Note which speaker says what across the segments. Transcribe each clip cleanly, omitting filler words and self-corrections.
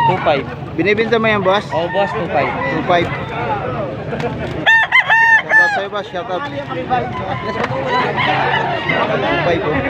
Speaker 1: 2.5.
Speaker 2: Binibenta mo yan, boss?
Speaker 1: Oh, boss, 2.5.
Speaker 2: 2.5. Shoutout sa'yo, boss. Shoutout. 2.5 oh.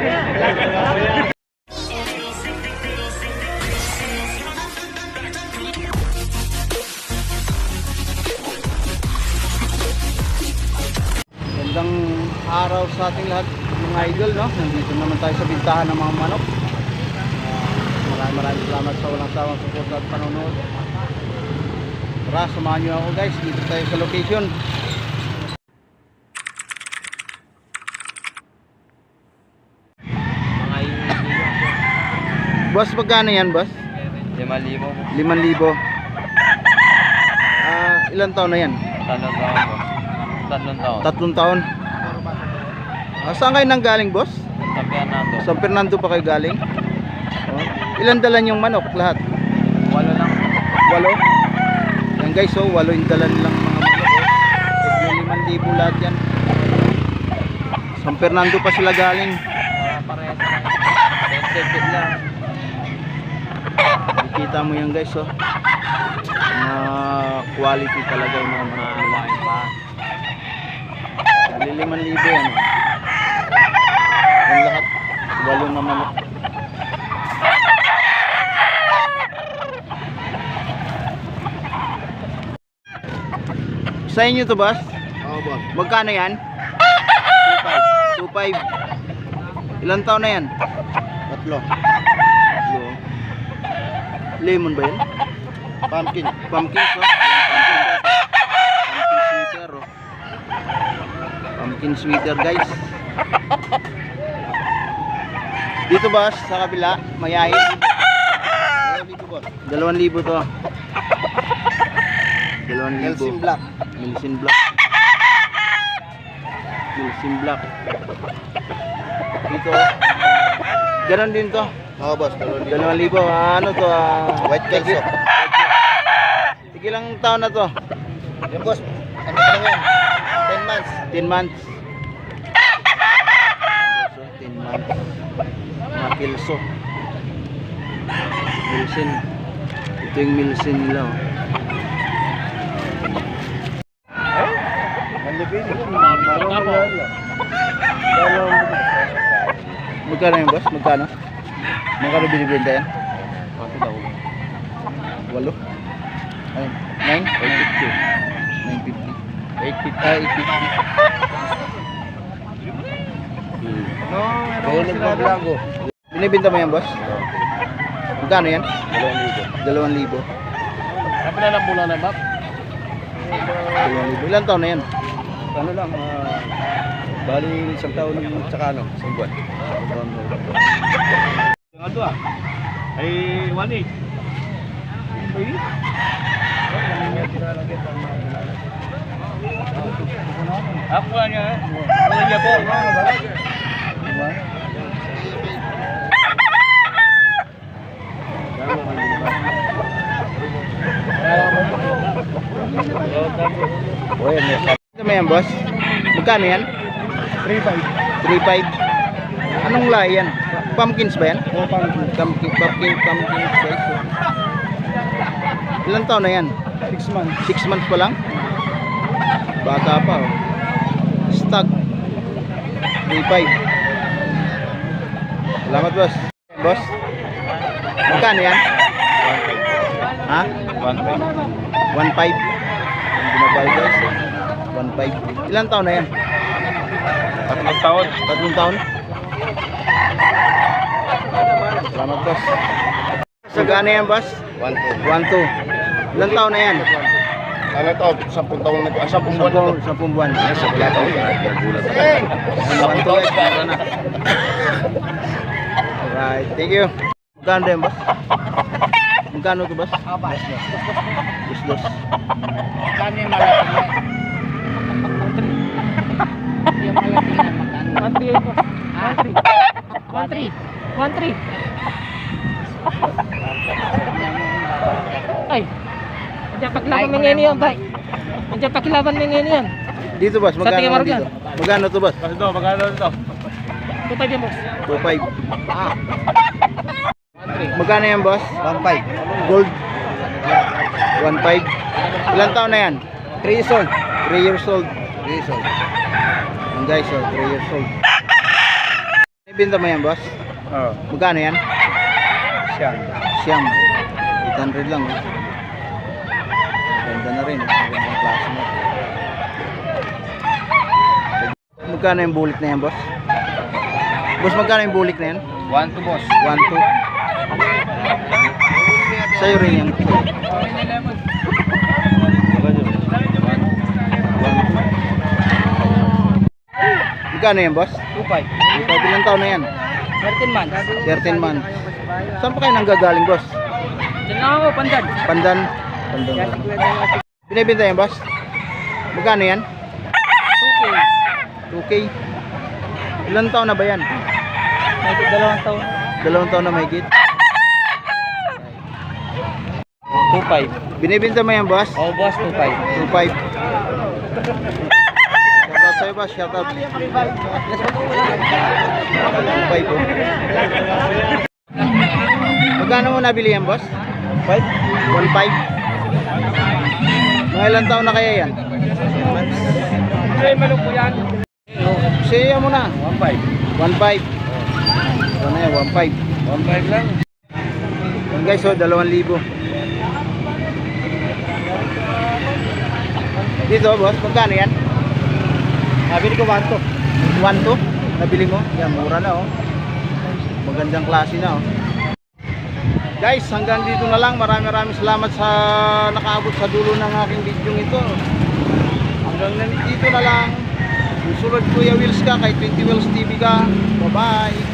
Speaker 2: Gandang araw sa ating lahat, mga idol, no? Nandito naman tayo sa bintahan ng mga manok. Maraming salamat sa walang sawang suporta at panonood. Tara, samahan nyo ako, guys. Dito tayo sa location. Boss, magkano yan, boss?
Speaker 1: 5,000.
Speaker 2: 5,000. Ilan taon na yan?
Speaker 1: 3 taon po. 3 taon.
Speaker 2: 3 taon. Saan kayo nang galing, boss?
Speaker 1: Sa Fernando.
Speaker 2: San Fernando pa kayo galing? Ilan dalan yung manok lahat?
Speaker 1: 8 lang.
Speaker 2: 8? Yan guys, 8 yung dalan lang mga manok. 5,000 lahat yan. San Fernando pa sila galing.
Speaker 1: Parehas lang. Sensitive lang.
Speaker 2: Kita mo yan guys, quality talaga yung mga manok.
Speaker 1: Pa.
Speaker 2: 5,000 yan. Yan lahat. 8 na manok. Sa inyo to, boss?
Speaker 3: Oo, boss.
Speaker 2: Magkano yan? 2.5. Ilan taon na yan?
Speaker 3: 3.
Speaker 2: Lemon ba yun?
Speaker 3: Pumpkin.
Speaker 2: Pumpkin, so? Pumpkin sweeter, oh. Pumpkin sweeter, guys. Dito, boss, sa kabila, mayahin.
Speaker 3: 2,000, boss.
Speaker 2: 2,000 to. 2,000.
Speaker 3: Nelson Black.
Speaker 2: Milsin Black. Milsin Black. Dito. Ganon din to.
Speaker 3: Oo, boss. 2,000.
Speaker 2: 2,000. Ano to?
Speaker 3: White Kelso.
Speaker 2: Sige lang taon na to.
Speaker 3: Yan, boss. Ano pa lang yan? 10 months.
Speaker 2: 10 months. So, 10 months. Mga Kelso. Milsin. Ito yung Milsin nila, oh. Magkano yung boss? Magkano? Magkano binibenta yan? 8? Ay, 9? 950. 850. Binibenta mo yan, boss? Magkano yan? 2,000.
Speaker 1: Kapag na lang mula na, map.
Speaker 2: 2,000. Ilan taon na yan?
Speaker 3: Ano lang, bali isang taon tsaka isang buwan.
Speaker 1: Yung ano ay 1.8. Ako nga niya. Wala niya po.
Speaker 2: O yan, yes. Ito mo yan, boss? Magkano yan?
Speaker 3: 3,500.
Speaker 2: 3.5. Anong lahi yan? Pumpkins ba yan?
Speaker 3: Oo, pumpkin.
Speaker 2: Pumpkins guys. Ilan taon na yan?
Speaker 3: 6 months.
Speaker 2: 6 months pa lang? Bata pa, oh. Stag 3.5. Salamat, boss. Boss? Magkano yan? Ha? 1.5. Yung binabal, guys. 1.5. Ilan taon na yan?
Speaker 1: 3 taon.
Speaker 2: 3 taon? Salamat, boss. Magkano yan, boss?
Speaker 3: 1,200.
Speaker 2: 1.2. Ilan taon na yan?
Speaker 3: Ano to? 10 taon na 10 buwan na to.
Speaker 2: 10 buwan.
Speaker 3: Yes, sa plato. Nagulat ako.
Speaker 2: 1.2 guys. Tara na. Alright, thank you. Magkano yan, boss? Magkano to, boss? Dos.
Speaker 4: Magkano yung malaki niya? Yung malaki niya, magkano? 1.3. Ay, nandiyan pakilaban mo ngayon yan, bay. Nandiyan pakilaban mo ngayon yan.
Speaker 2: Dito, boss.
Speaker 4: Sa tingin
Speaker 2: Magkano
Speaker 4: mo,
Speaker 2: dito? Magkano to, boss?
Speaker 1: Ito, magkano ito?
Speaker 4: 2.5 yan, boss.
Speaker 2: 2.5. Magkano yan, boss?
Speaker 3: 1,500.
Speaker 2: Gold. 1.5. Ilan taon na yan?
Speaker 3: 3 years old.
Speaker 2: 3 years old.
Speaker 3: 3 years old.
Speaker 2: Yan guys, 3 years old. Ibenta mo yan, boss?
Speaker 3: Oo.
Speaker 2: Magkano yan?
Speaker 3: Siyang.
Speaker 2: Siyam. 800 lang. Ganda na rin. Magandang klase na. Magkano yung bulik na yan, boss? Boss, magkano yung bulik na yan?
Speaker 3: 1 to boss.
Speaker 2: 1, 2. Sa'yo rin yan. Magkano yan, boss?
Speaker 3: 2.5.
Speaker 2: Ilang taon na yan?
Speaker 3: 13 months.
Speaker 2: 13 months. Saan pa kayo nanggagaling, boss?
Speaker 3: Diyan lang ako, Pandan.
Speaker 2: Pandan? Pandan. Binibenta yan, boss? Magkano yan?
Speaker 3: 2K.
Speaker 2: 2K. Ilang taon na ba yan?
Speaker 3: May 2 taon.
Speaker 2: 2 taon na mahigit.
Speaker 3: 2.5.
Speaker 2: Binibenta mo yan, boss?
Speaker 3: Oo, boss, 2.5.
Speaker 2: 2.5. Shoutout sa'yo, boss. Shoutout. 2.5 po. Magkano mo nabili yan, boss?
Speaker 3: 5?
Speaker 2: 1.5. Mga ilang taon na kaya yan?
Speaker 3: Ay, malong po yan.
Speaker 2: Siya mo na.
Speaker 3: 1.5.
Speaker 2: 1.5. Ano yan, 1.5.
Speaker 3: 1.5 lang.
Speaker 2: Yan guys, 2,000. Dito, boss, magkano yan?
Speaker 3: Nabili ko 1 to.
Speaker 2: 1.2? Nabili mo? Yan, mura na, oh. Magandang klase na, oh. Guys, hanggang dito na lang. Maraming salamat sa nakaabot sa dulo ng aking video ito. Hanggang dito na lang. Susunod Kuya Wills ka, kay 20 Wills TV ka. Bye-bye.